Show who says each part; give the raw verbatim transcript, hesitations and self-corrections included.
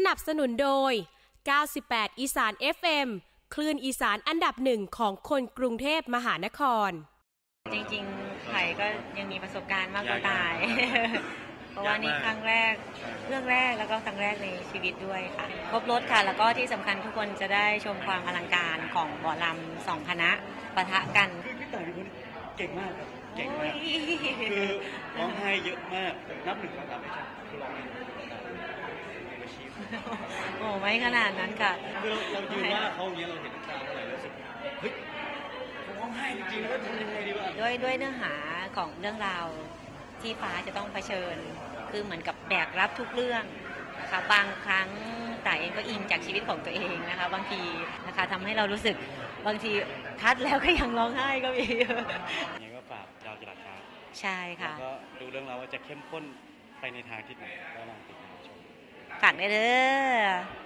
Speaker 1: นับสนุนโดยเก้าสิบแปดอีสาน เอฟ เอ็ม คลื่นอีสานอันดับหนึ่งของคนกรุงเทพมหานคร
Speaker 2: จริงๆไผ่ก็ยังมีประสบการณ์มากกว่าตายเพราะว่านี่ครั้งแรกเรื่องแรกแล้วก็ครั้งแรกในชีวิตด้วยค่ะครบรถค่ะแล้วก็ที่สำคัญทุกคนจะได้ชมความอลังการของหมอลำสองคณะปะทะกัน
Speaker 3: พี่ต่ายเป็นคนเก่งมากครับเก่งมากคือร้องไห้เยอะมากนับหนึ่งสองสามไม่ใช่คือร้องไห้
Speaker 2: โอ้ไม่ขนาดนั้นค่ะ
Speaker 3: คือเราเรายืนว่าเขาอย่างเงี้ยเราเห็นน้ำตาเท่าไหร่รู้สึกเฮ้ยร้องไห้จริงๆแล้วทำยังไงดีวะ
Speaker 2: ด้วยด้วยเนื้อหาของเรื่องราวที่ฟ้าจะต้องเผชิญคือเหมือนกับแบกรับทุกเรื่องนะคะบางครั้งแต่เองก็อินจากชีวิตของตัวเองนะคะบางทีนะคะทำให้เรารู้สึกบางทีคัดแล้วก็ยังร้องไห้ก็มี
Speaker 3: อย่างนี้ก็ฝากดาวจรัสครับ
Speaker 2: ใช่ค่ะ
Speaker 3: แล้วก็ดูเรื่องราวว่าจะเข้มข้นไปในทางที่ไหนก็ลองติดตามชม
Speaker 2: ฝากได้เด้อ